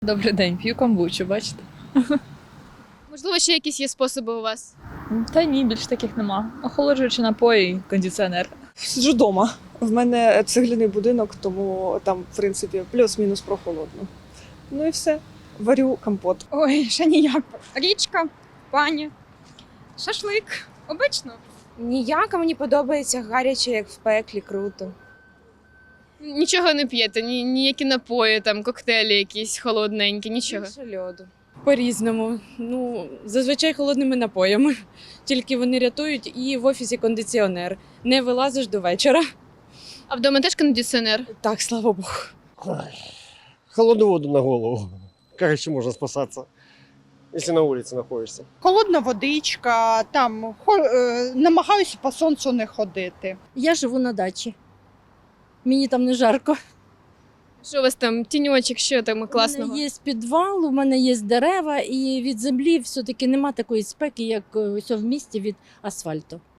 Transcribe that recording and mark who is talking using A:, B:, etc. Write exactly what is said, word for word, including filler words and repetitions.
A: Добрий день, п'ю камбучу, бачите?
B: Можливо, ще якісь є способи у вас?
A: Та ні, більш таких нема. Охолоджуючи напої, і кондиціонер.
C: Сиджу вдома. В мене цегляний будинок, тому там, в принципі, плюс-мінус прохолодно. Ну і все. Варю компот.
D: Ой, ще ніяк. Річка, пані, шашлик. Обично.
E: Ніяка, мені подобається гаряче, як в пеклі, круто.
B: Нічого не п'єте, ні, ніякі напої, там, коктейлі якісь холодненькі, нічого.
E: Більше льоду.
F: По-різному. Ну, зазвичай холодними напоями. Тільки вони рятують, і в офісі кондиціонер. Не вилазиш до вечора.
B: А вдома теж кондиціонер?
F: Так, слава Богу.
G: Ой, холодную воду на голову. Как еще можно спасаться, если на улице находишься?
H: Холодна водичка, там хо- е, намагаюся по сонцю не ходити.
I: Я живу на дачі. Мені там не жарко.
B: Що у вас там, тіньочок, що там класного?
I: У мене є підвал, у мене є дерева, і від землі все-таки нема такої спеки, як ось в місті від асфальту.